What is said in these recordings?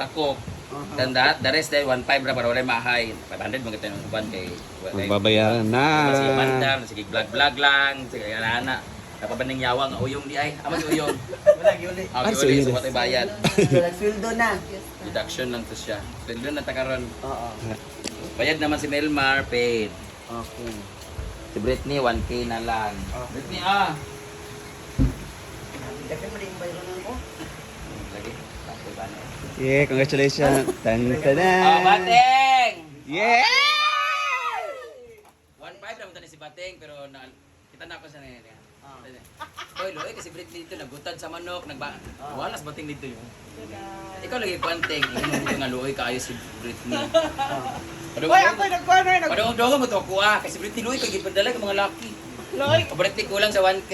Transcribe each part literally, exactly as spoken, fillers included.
sakop. Then that, the rest day one five ra para wala mahay. five hundred man kita ng uban kay Magbabayaran na. Sige mandam, sige vlog-vlog lang, sige ana. Napabaning yawang uyong di ay. Amo di uyong. Wala giuli. Ah, Ay, okay, so so patay bayad. Sweldo na. Deduction lang to siya. Sweldo na ta karon. Oo. Bayad naman si Melmar paid. Okay. Si Britney one K na lang. Britney ah. Dapat mo rin bayro na ko. Lagi. Tapos ba na? Yeah, congratulations. Tan Ah, tanan. Bateng. Yeah! one five naman tani si Bateng pero na, kita na ako sa niya. Ah. Hoy, loy kasi Britney dito nagutad sa manok, nagba. Wala sa Bateng dito yun. Ikaw lagi Bateng, imo nga loy kaayo si Britney. Hoy, ako nagkuha na nag. Padung dong mo to kuha kasi Britney loy kay gipandala ka mga laki. Loy. O Britney kulang sa one K.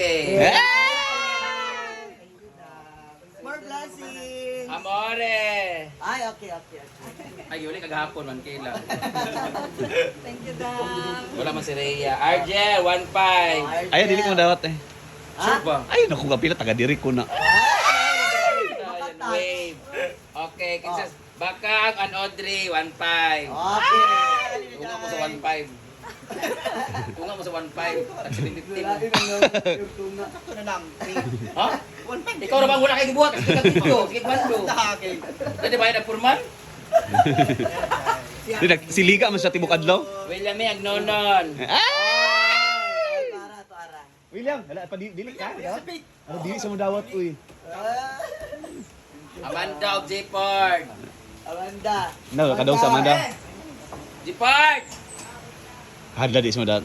More blessing. Amore. Ay, okay, okay, okay. Ay, uli kagahapon one K lang. Thank you, Dam. Wala man si Rhea. Argel, one five. Ay, dili ko dawat eh. Sure ba? Ay, naku kapila taga diri ko na. Ayan, wave. Okay, kisas. Bakang and Audrey, one five. Okay. Tunga mo sa one five. Tunga mo sa one five. Taxi fifty mo. Yung tuna. Ako na lang. Ha? Ikaw na bang wala kayo gibuhat? Ikaw dito, kikman ko. Okay. Pwede ba yung nagpurman? Di nag- Si Liga man sa tibok adlaw. William may agnonon. Ay, para, para. William, wala pa di- dili ka. Ano dili sa mo dawat uy. Amanda of J-Port. Amanda. No, kadaw sa Amanda. J-Port! Hadla di sa mo dawat.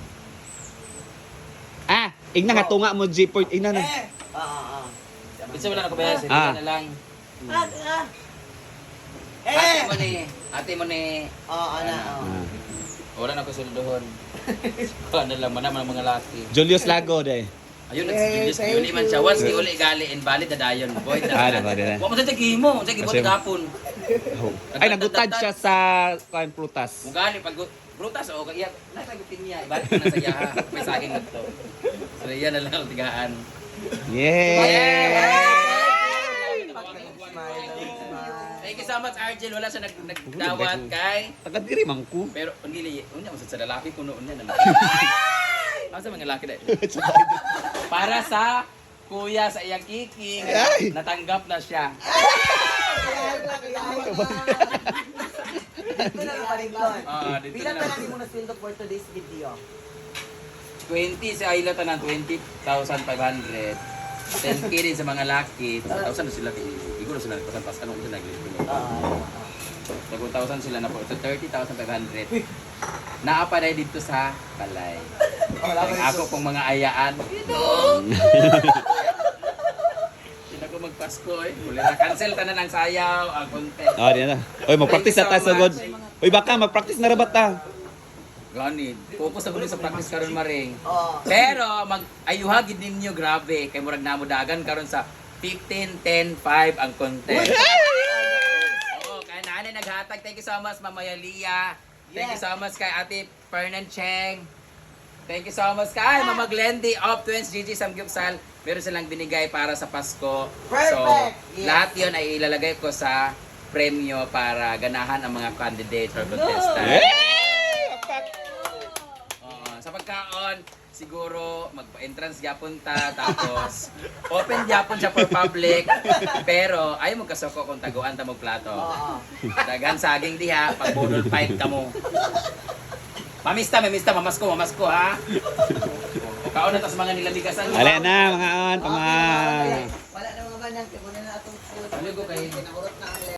Ah, igna nga tunga mo G-port igna na. Eh. Ah, ah, ah. Bisa wala na ko ba? Sige Ah. na lang. Ah, ah. Ate Eh. mo ni, ate mo ni, Oh, ana, oh. Ah. wala na ko suldohon. Ano lang man ang mga laki. Julius Lago de. Ayun, Eh, nag-Julius thank Uli man siya. Once di uli gali, invalid na dayon. Boy, Ah, diba, diba. Huwag mo sa tagihimo. Sa gibot Kasi- gapon. Ay nagutad siya sa kuan prutas. Mugali, pag prutas o kaya, natagutin niya. Ibalik ko na sa yaha. May saging na to. So, yan na lang ang tigaan. Yeah! Thank you so much, Argel. Wala siya nag nagdawat kay. Taga diri man ko. Pero, pangili, unya mo sa lalaki, puno unya na lang. Ano sa mga lalaki dahil? Para sa kuya sa iyang kiking, Ay! natanggap na siya. Dito na lang parington. Ah, dito Pila na pa lang. lang mo na sweldo for today's video? twenty sa Ayla tanan, twenty thousand five hundred. ten K din sa mga laki. one thousand na sila. Siguro sila nagpasan-pasan kung sila naglilipin. Ah. So, one thousand sila na po. So, thirty thousand five hundred. Naapa na dito sa Balay. Ang ako pong mga ayaan. Hindi ko magpasko eh. Muli na cancel tanan ang sayaw, ang content. Ah, di na. Oy, mag-practice na tayo sa god. Oy, baka mag-practice na ra ba ta? Gani, focus na ko sa practice karon maring. Oh. Pero mag ayuhagid ninyo grabe kay murag namo dagan karon sa fifteen ten five ang content. Oo, kay nanay naghatag. Thank you so much Mama Yalia. Thank you so much kay Ate Fernan Cheng. Thank you so much kay Mama Glendy of Twins Gigi Samgyupsal. Meron silang binigay para sa Pasko. So, Perfect! Yes. lahat 'yon ay ilalagay ko sa premyo para ganahan ang mga candidates or contestants. Oo, sa pagkaon, siguro magpa-entrance gyapon ta tapos open gyapon siya for public pero ayaw mo kasoko kung taguan ta mo plato. Oo. Dagan saging diha pag budol pipe ka mo. Mamista, mamista, mamasko, mamasko ha. O kaon na ta sa mga nilamigasan. Ale na mga on, pama. Wala na mga banang. Kaya muna na itong food. Ano ko kay Naurot na ang